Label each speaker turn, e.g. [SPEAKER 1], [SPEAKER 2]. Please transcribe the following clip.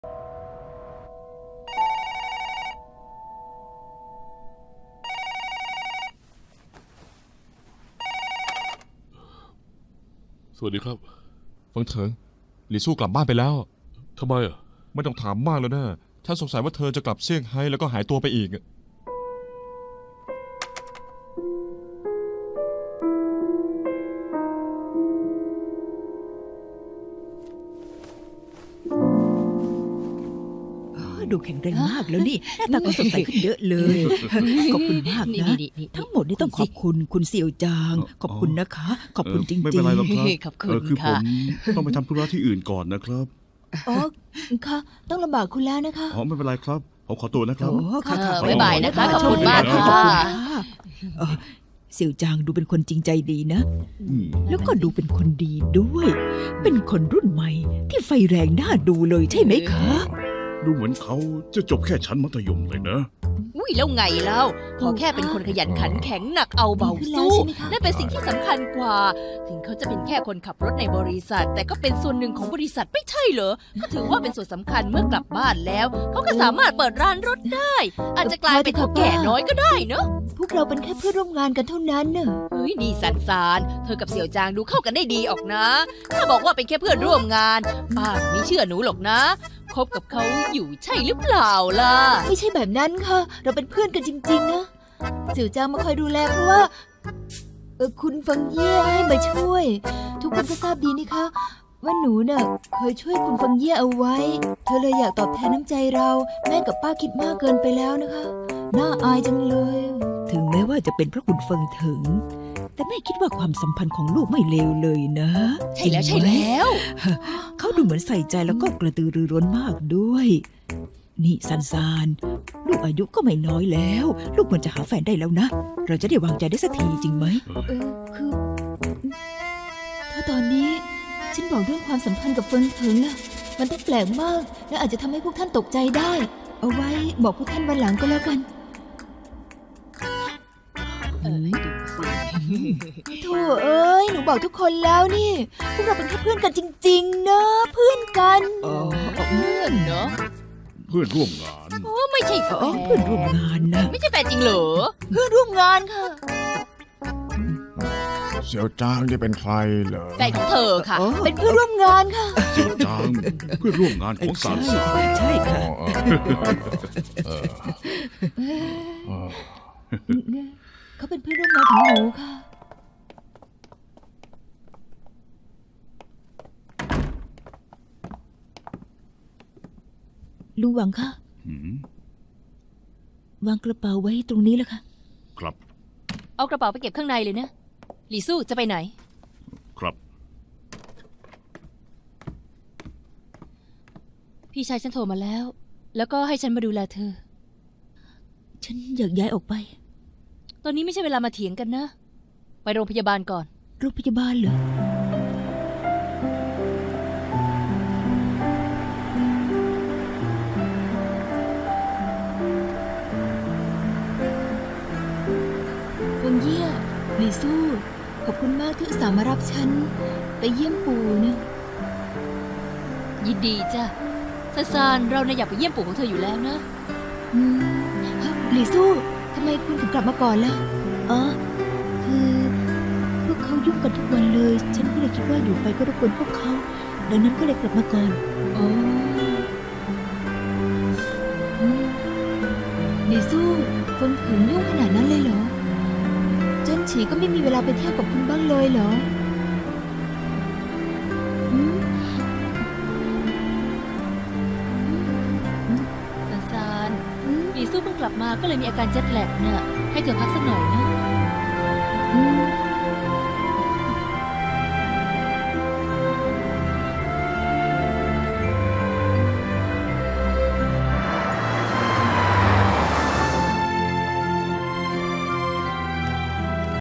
[SPEAKER 1] สวัสดีครับ
[SPEAKER 2] ฟังเถิงหลี่สู้กลับบ้านไปแล้ว
[SPEAKER 1] ทำไมอ่ะ
[SPEAKER 2] ไม่ต้องถามมากแล้วนะฉันสงสัยว่าเธอจะกลับเซี่ยงไฮ้แล้วก็หายตัวไปอีก
[SPEAKER 3] ดูแข็งแรงมากแล้วนี่หน้าตาก็สดใสขึ้นเยอะเลยขอบคุณมากนะทั้งหมดนี่ต้องขอบคุณคุณเสี่ยวจางขอบคุณนะคะขอบคุณจริงๆ
[SPEAKER 4] ไม่เป็นไรหรอกครับ
[SPEAKER 5] ขอบคุณ
[SPEAKER 4] คือผ
[SPEAKER 5] ค่ะ
[SPEAKER 4] มต้องไปทำธุระที่อื่นก่อนนะครับ
[SPEAKER 6] อ๋อค่ะต้องลำบากคุณแล้วนะคะ
[SPEAKER 4] อ๋อไม่เป็นไรครับผมขอตัวนะครับ
[SPEAKER 3] โอ้ค่ะค่ะ
[SPEAKER 5] บ๊ายบายนะคะขอบคุณมาก
[SPEAKER 3] ขอบ
[SPEAKER 5] ค่ะ
[SPEAKER 3] เสี่ยวจางดูเป็นคนจริงใจดีนะ
[SPEAKER 4] อืม
[SPEAKER 3] แล้วก็ดูเป็นคนดีด้วย เป็นคนรุ่นใหม่ที่ไฟแรงน่าดูเลยใช่ไหมคะ
[SPEAKER 4] ดูเหมือนเขาจะจบแค่ชั้นมัธยมเลยนะ
[SPEAKER 5] อุ้ยแล้วไงเล่าขอแค่เป็นคนขยันขันแข็งหนักเอาเบาสู้นั่นเป็นสิ่งที่สำคัญกว่า ถึงเขาจะเป็นแค่คนขับรถในบริษัท แต่ก็เป็นส่วนหนึ่งของบริษัทไม่ใช่เหรอก็ถือว่าเป็นส่วนสำคัญเมื่อกลับบ้านแล้วเขาก็สามารถเปิดร้านรถได้ อาจจะกลายเป็นเฒ่าแก่น้อยก็ได้เนอะ
[SPEAKER 6] พวกเราเป็นแค่เพื่อนร่วมงานกันเท่านั้นเนอะ
[SPEAKER 5] เฮ้ยดีสันสานเธอกับเสี่ยวจางดูเข้ากันได้ดีออกนะ ถ้าบอกว่าเป็นแค่เพื่อนร่วมงานป้าไม่เชื่อหนูหรอกนะคบกับเขาอยู่ใช่หรือเปล่าล่ะ
[SPEAKER 6] ไม่ใช่แบบนั้นค่ะ เราเป็นเพื่อนกันจริงๆนะเสี่ยวจางมาคอยดูแลเพราะว่าคุณฟังเย่ให้มาช่วย ทุกคนก็ทราบดีนี่คะว่าหนูน่ะเคยช่วยคุณฟังเย่เอาไว้ เธอเลยอยากตอบแทนน้ำใจเราแม่กับป้าคิดมากเกินไปแล้วนะคะน่าอายจังเลย
[SPEAKER 3] ถึงแม้ว่าจะเป็นเพราะคุณเฟิงถึง แต่แม่คิดว่าความสัมพันธ์ของลูกไม่เลวเลยนะ
[SPEAKER 5] ใช่แล้ว
[SPEAKER 3] จริ
[SPEAKER 5] ใช่
[SPEAKER 3] งไหม
[SPEAKER 5] แล้ว
[SPEAKER 3] เขาดูเหมือนใส่ใจแล้วก็กระตือรือร้นมากด้วย นี่ซันซานลูกอายุก็ไม่น้อยแล้ว ลูกควรจะหาแฟนได้แล้วนะ เราจะได้วางใจได้สักทีจริงไหม
[SPEAKER 6] คือถ้าตอนนี้ฉันบอกเรื่องความสัมพันธ์กับเฟิงเถิงล่ะมันต้องแปลกมาก และอาจจะทำให้พวกท่านตกใจได้ เอาไว้บอกพวกท่านวันหลังก็แล้วกัน โธ่เอ้ยหนูบอกทุกคนแล้วนี่พวกเราเป็นแค่เพื่อนกันจริงๆนะเพื่อนกัน
[SPEAKER 3] อ๋อ
[SPEAKER 5] เพื่อนเนาะ
[SPEAKER 4] เพื่อนร่วมงาน
[SPEAKER 5] โอ้ไม่ใช่แฟ
[SPEAKER 3] อ๋อน เพื่อนร่วมงานนะ
[SPEAKER 5] ไม่ใช่แฟนจริงเหรอ
[SPEAKER 6] เพื่อนร่วมงานค่ะ
[SPEAKER 7] เสี่ยวจางนี่เป็นใครเหรอ
[SPEAKER 5] แฟนของเธอค่ะ
[SPEAKER 3] อ๋อ
[SPEAKER 6] เป็นเพื่อนร่วมงานค่ะ
[SPEAKER 4] เสี่ยวจางเพื่อนร่วมงานของสารสาร
[SPEAKER 3] ใช่ค่ะ
[SPEAKER 6] เขาเป็นเพื่อนร่วมงานของหนูค่ะ
[SPEAKER 3] ลุงหวังคะ
[SPEAKER 4] หืม
[SPEAKER 3] วางกระเป๋าไว้ตรงนี้แล้วค่ะ
[SPEAKER 4] ครับ
[SPEAKER 5] เอากระเป๋าไปเก็บข้างในเลยนะหลี่สู้จะไปไหน
[SPEAKER 4] ครับ
[SPEAKER 5] พี่ชายฉันโทรมาแล้ว แล้วก็ให้ฉันมาดูแลเธอ
[SPEAKER 3] ฉันอยากย้ายออกไป
[SPEAKER 5] ตอนนี้ไม่ใช่เวลามาเถียงกันนะ ไปโรงพยาบาลก่อน
[SPEAKER 3] โรงพยาบาลเหรอ
[SPEAKER 6] เฟิงเยี่ยหลี่สู้ ขอบคุณมากที่อุตส่าห์มารับฉัน ไปเยี่ยมปู่นะ
[SPEAKER 5] ยินดีจ้ะซานเราเนี่ยอยากไปเยี่ยมปู่ของเธออยู่แล้วนะ
[SPEAKER 6] หลี่สู้ทำไมคุณถึงกลับมาก่อนล่ะ
[SPEAKER 3] อ๋อ คือพวกเขายุ่งกันทุกวันเลย ฉันก็เลยคิดว่าอยู่ไปก็รบกวนพวกเขา ดังนั้นก็เลยกลับมาก่อน
[SPEAKER 6] อ๋อหลี่สู้เฟิงถึงยุ่งขนาดนั้นเลยเหรอเจิ้นฉีก็ไม่มีเวลาไปเที่ยวกับคุณบ้างเลยเหรออืม
[SPEAKER 5] ซานหลี่สู้เพิ่งกลับมาก็เลยมีอาการเจ็ตแลกน่ะ ให้เธอพักสักหน่อยนะ
[SPEAKER 6] อืม